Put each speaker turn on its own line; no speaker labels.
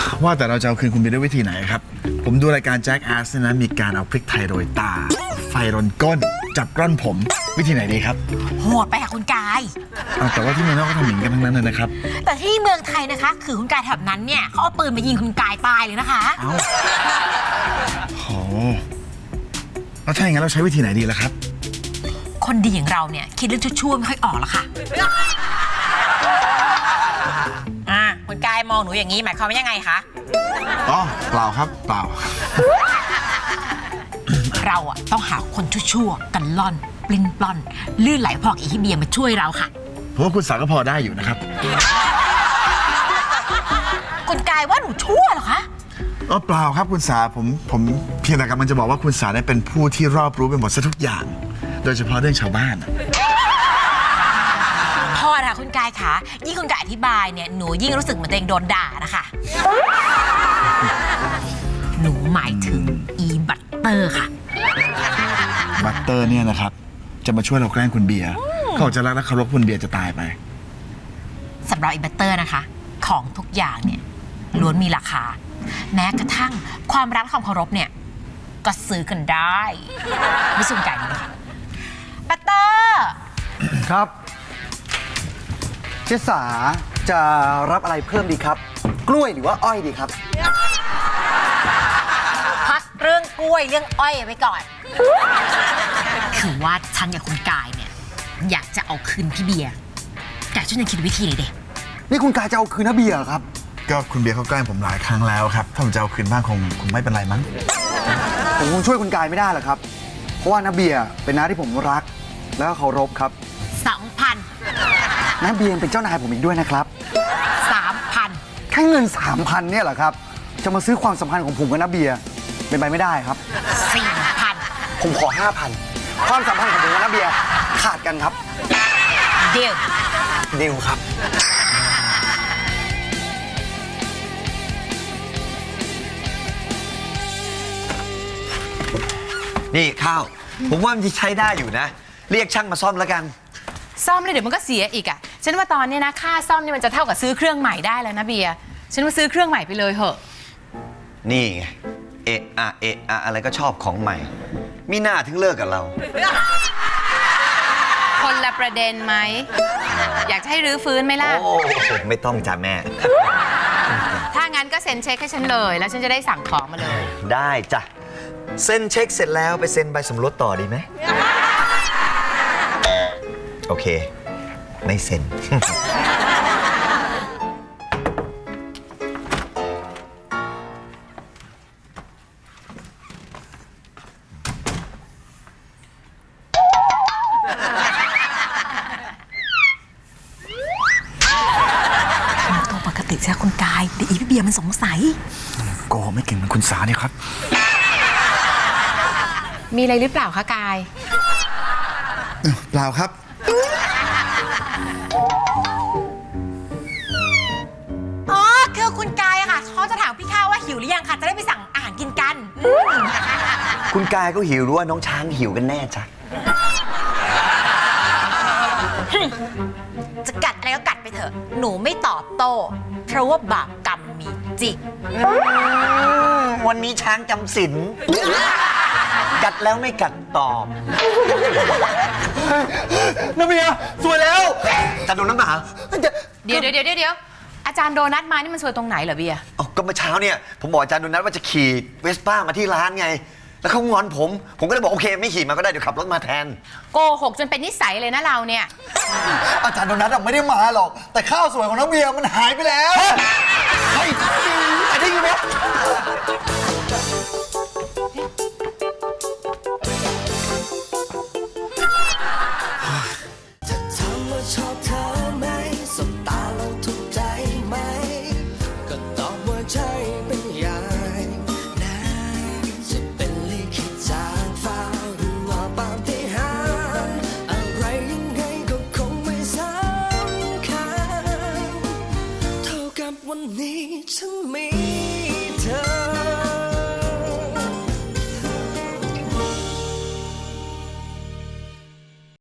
ว่าแต่เราจะเอาคืนคุณเบียร์ด้วยวิธีไหนครับผมดูรายการแจ็คแอสเนี่ยนะมีการเอาพริกไทยโรยตาไฟรนก้นจับกล้อนผมวิธีไหนดีครับ
โหดไปค่ะคุณกาย
แต่ว่าที่เมืองนอกก็ทำอย่างนี้กันทั้งนั้นเลยนะครับ
แต่ที่เมืองไทยนะคะคือคุณกายแถบนั้นเนี่ยเขาเอาปืนมายิงคุณกายตายเลยนะคะ
โอ้แล้วถ้าอย่างนั้นเราใช้วิธีไหนดีล่ะครับ
คนดีอย่างเราเนี่ยคิดเรื่องชั่วๆไม่ค่อยออกหรอกค่ะคุณกายมองหนูอย่างนี้หมายความว่ายังไงคะ
เปล่าครับเปล่า
เราต้องหาคนชั่วๆกันล่อนปลิ้นปล้อนลื่นไหลพอกอีเบียมาช่วยเราค่ะ
เพราะว่าคุณสาก็พอได้อยู่นะครับ
คุณกายว่าหนูชั่วเหรอคะ
เปล่าครับคุณสาผมเพียงแต่กำลังจะบอกว่าคุณสาได้เป็นผู้ที่รอบรู้ไปหมดซะทุกอย่างโดยเฉพาะเรื่องชาวบ้าน
พอค่ะคุณกายค่ะยิ่งคุณกายอธิบายเนี่ยหนูยิ่งรู้สึกเหมือนตัวเองโดนด่านะคะหนูหมายถึงอีบัตเตอร์ค่ะ
บัตเตอร์เนี่ยนะครับจะมาช่วยเราแกล้งคุณเบียร์เขาจะรักและเคารพคุณเบียร์จะตายไป
สำหรับอีบัตเตอร์นะคะของทุกอย่างเนี่ยล้วนมีราคาแม้กระทั่งความรักความเคารพเนี่ยก็ซื้อกันได้ไม่สุ่มไก่นะคะบัตเตอร์
ครับเจษาจะรับอะไรเพิ่มดีครับกล้วยหรือว่าอ้อยดีครับ
พักเรื่องกล้วยเรื่องอ้อยไว้ก่อนคือว่าฉันกับคุณกายเนี่ยอยากจะเอาคืนพี่เบียร์แต่ช่วยคิดวิธีหน่อยเด็ก
นี่คุณกายจะเอาคืนนะเบียร์ครับ
ก็คุณเบียร์เขาแกล้งผมหลายครั้งแล้วครับถ้าผมจะเอาคืนบ้างคงไม่เป็นไรมั้ง
ผมคงช่วยคุณกายไม่ได้หรอกครับเพราะว่าน้าเบียร์เป็นน้าที่ผมรักแล้วก็เคารพครับ
2,000
น้าเบียร์เป็นเจ้านายผมอีกด้วยนะครับ
3,000
แค่เงิน 3,000เนี่ยเหรอครับจะมาซื้อความสัมพันธ์ของผมกับน้าเบียร์เป็นไปไม่ได้ครับ
4,000
ผมขอ 5,000ความสัมพันธ์ของผมกับน้าเบียร์ขาดกันครับ
เดียว
ครับ
นี่ข้าวผมว่ามันจะใช้ได้อยู่นะเรียกช่างมาซ่อมแล้วกัน
ซ่อมเลยเดี๋ยวมันก็เสียอีกฉันว่าตอนนี้นะค่าซ่อมนี่มันจะเท่ากับซื้อเครื่องใหม่ได้แล้วนะเบียร์ฉันว่าซื้อเครื่องใหม่ไปเลยเหอะ
นี่ไงเอะอะไรก็ชอบของใหม่มีหน้าถึงเลิกกับเรา
คนละประเด็นไหมอยากจะให้รื้อฟื้นไหมล่ะ
โอ้ไม่ต้องจ้ะแม่
ถ้างั้นก็เซ็นเช็คให้ฉันเลยแล้วฉันจะได้สั่งของมาเลย
ได้จ้ะเซ็นเช็คเสร็จแล้วไปเซ็นใบสมรสต่อดีไหมโอเคไม่เซ็น
ตัวปกติใช่คุณกายแต่อีพี่เบียร์มันสงสัย
โกไม่เก่งเหมือนคุณสาเนี่ยครับ
มีอะไรหรือเปล่าคะกาย
เปล่าครับ
คือคุณกายค่ะเขาจะถามพี่ข้าวว่าหิวหรือยังค่ะจะได้ไปสั่งอาหารกินกัน
คุณกายก็หิวหรือว่าน้องช้างหิวกันแน่จ้ะ
จะกัดอะไรก็กัดไปเถอะหนูไม่ตอบโต้เพราะว่าบาปกรรมมีจริง
วันนี้ช้างจำศีลกัดแล้วไม่กัดตอบ
น้าเบียร์สวยแล้ว
จะโดนน้ำหนา
เดี๋ยวอาจารย์โดนัทมานี่มันสวยตรงไหนเหรอเบียร์
ก็เมื่อเช้าเนี่ยผมบอกอาจารย์โดนัทว่าจะขี่เวสป้ามาที่ร้านไงแล้วเขางอนผมก็เลยบอกโอเคไม่ขี่มาก็ได้เดี๋ยวขับรถมาแทน
โกหกจนเป็นนิสัยเลยนะเราเนี่ย
อาจารย์โดนัทไม่ได้มาหรอกแต่ข้าวสวยของน้าเบียร์มันหายไปแล้ว
เฮ้ยไอ้ที่อยู่เนี่ย